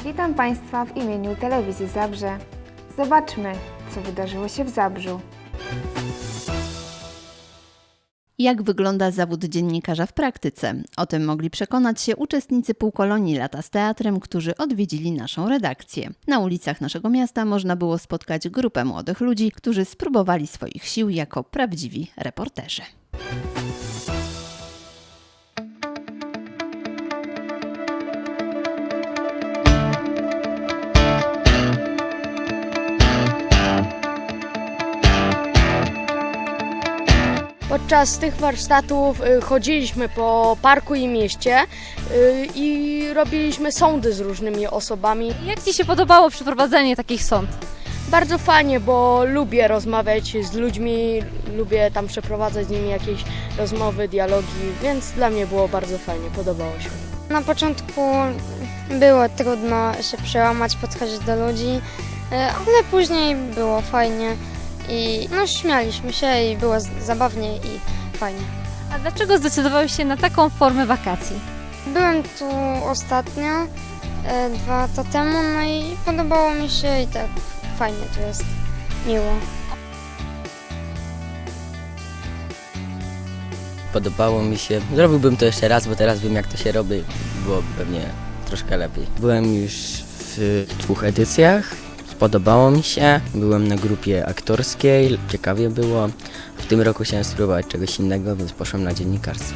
Witam Państwa w imieniu Telewizji Zabrze. Zobaczmy, co wydarzyło się w Zabrzu. Jak wygląda zawód dziennikarza w praktyce? O tym mogli przekonać się uczestnicy półkolonii Lata z Teatrem, którzy odwiedzili naszą redakcję. Na ulicach naszego miasta można było spotkać grupę młodych ludzi, którzy spróbowali swoich sił jako prawdziwi reporterzy. Podczas tych warsztatów chodziliśmy po parku i mieście i robiliśmy sądy z różnymi osobami. Jak Ci się podobało przeprowadzenie takich sąd? Bardzo fajnie, bo lubię rozmawiać z ludźmi, lubię tam przeprowadzać z nimi jakieś rozmowy, dialogi, więc dla mnie było bardzo fajnie, podobało się. Na początku było trudno się przełamać, podchodzić do ludzi, ale później było fajnie i śmialiśmy się i było zabawnie i fajnie. A dlaczego zdecydowałeś się na taką formę wakacji? Byłem tu ostatnio, 2 lata temu, no i podobało mi się i tak fajnie tu jest, miło. Podobało mi się. Zrobiłbym to jeszcze raz, bo teraz wiem, jak to się robi. Byłoby pewnie troszkę lepiej. Byłem już w 2 edycjach. Podobało mi się. Byłem na grupie aktorskiej. Ciekawie było. W tym roku chciałem spróbować czegoś innego, więc poszłem na dziennikarstwo.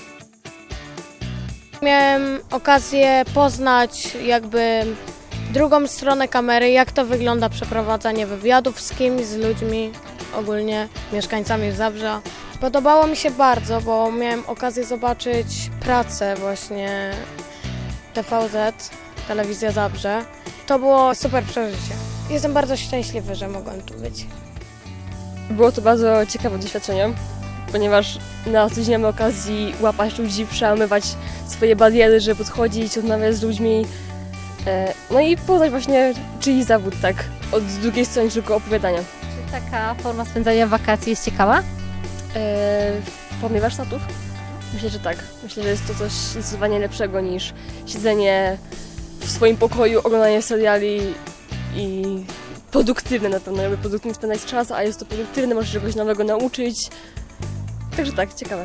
Miałem okazję poznać jakby drugą stronę kamery, jak to wygląda przeprowadzanie wywiadów z kimś, z ludźmi, ogólnie mieszkańcami Zabrza. Podobało mi się bardzo, bo miałem okazję zobaczyć pracę właśnie TVZ, Telewizja Zabrze. To było super przeżycie. Jestem bardzo szczęśliwy, że mogłem tu być. Było to bardzo ciekawe doświadczenie, ponieważ na co dzień mamy okazji łapać ludzi, przełamywać swoje bariery, żeby podchodzić, rozmawiać z ludźmi. No i poznać właśnie czyjś zawód, tak, od drugiej strony tylko opowiadania. Czy taka forma spędzania wakacji jest ciekawa? W formie warsztatów? Myślę, że tak. Myślę, że jest to coś zdecydowanie lepszego niż siedzenie w swoim pokoju, oglądanie seriali i produktywne na pewno, jakby produktywnie spędzać czas, a jest to produktywne, możesz czegoś nowego nauczyć. Także tak, ciekawe.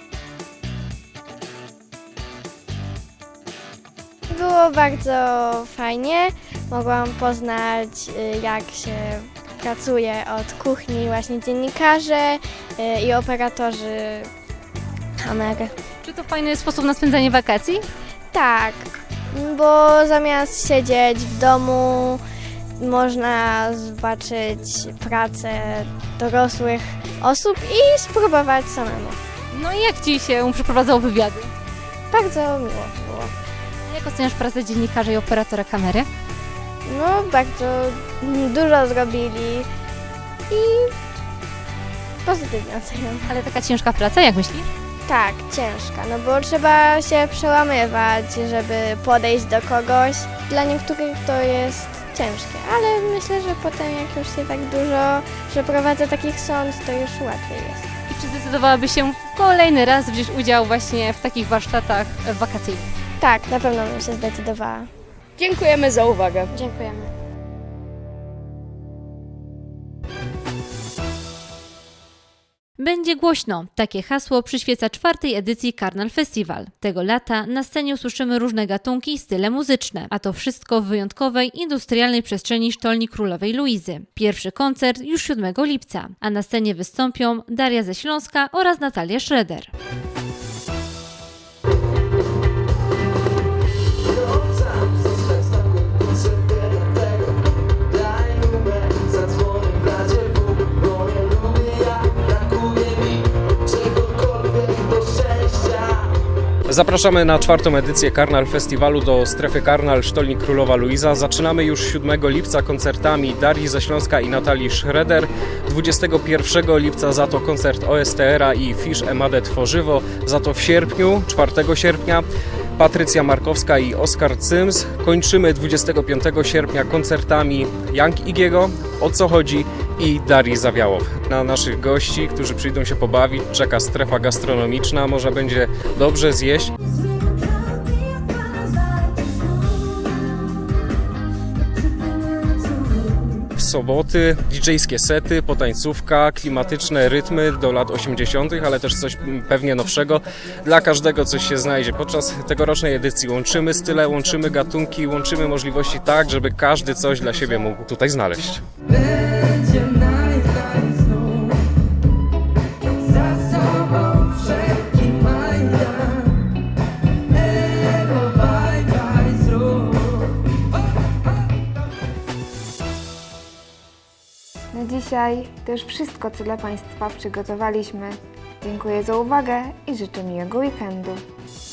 Było bardzo fajnie. Mogłam poznać, jak się pracuje od kuchni właśnie dziennikarze i operatorzy kamery. Czy to fajny sposób na spędzanie wakacji? Tak, bo zamiast siedzieć w domu, można zobaczyć pracę dorosłych osób i spróbować samemu. No i jak Ci się przeprowadzało wywiady? Bardzo miło było. A jak oceniasz pracę dziennikarza i operatora kamery? No, bardzo dużo zrobili i pozytywnie oceniam. Ale taka ciężka praca, jak myślisz? Tak, ciężka, no bo trzeba się przełamywać, żeby podejść do kogoś. Dla niektórych to jest ciężkie, ale myślę, że potem jak już się tak dużo przeprowadza takich sąd, to już łatwiej jest. I czy zdecydowałabyś się kolejny raz wziąć udział właśnie w takich warsztatach wakacyjnych? Tak, na pewno bym się zdecydowała. Dziękujemy za uwagę. Dziękujemy. Będzie głośno. Takie hasło przyświeca 4. edycji Karnal Festival. Tego lata na scenie usłyszymy różne gatunki i style muzyczne, a to wszystko w wyjątkowej, industrialnej przestrzeni Sztolni Królowej Luizy. Pierwszy koncert już 7 lipca, a na scenie wystąpią Daria ze Śląska oraz Natalia Schroeder. Zapraszamy na 4. edycję Karnal Festiwalu do strefy Karnal Sztolni Królowa Luiza. Zaczynamy już 7 lipca koncertami Darii ze Śląska i Natalii Schroeder. 21 lipca za to koncert OSTR-a i Fish Emade Tworzywo. Za to w sierpniu, 4 sierpnia Patrycja Markowska i Oskar Cyms. Kończymy 25 sierpnia koncertami Young Igiego, O co chodzi i Darii Zawiałow. Na naszych gości, którzy przyjdą się pobawić, czeka strefa gastronomiczna. Można będzie dobrze zjeść. soboty, DJ-skie sety, potańcówka, klimatyczne rytmy do lat 80., ale też coś pewnie nowszego. Dla każdego coś się znajdzie. Podczas tegorocznej edycji łączymy style, łączymy gatunki, łączymy możliwości tak, żeby każdy coś dla siebie mógł tutaj znaleźć. Na dzisiaj to już wszystko, co dla Państwa przygotowaliśmy. Dziękuję za uwagę i życzę miłego weekendu.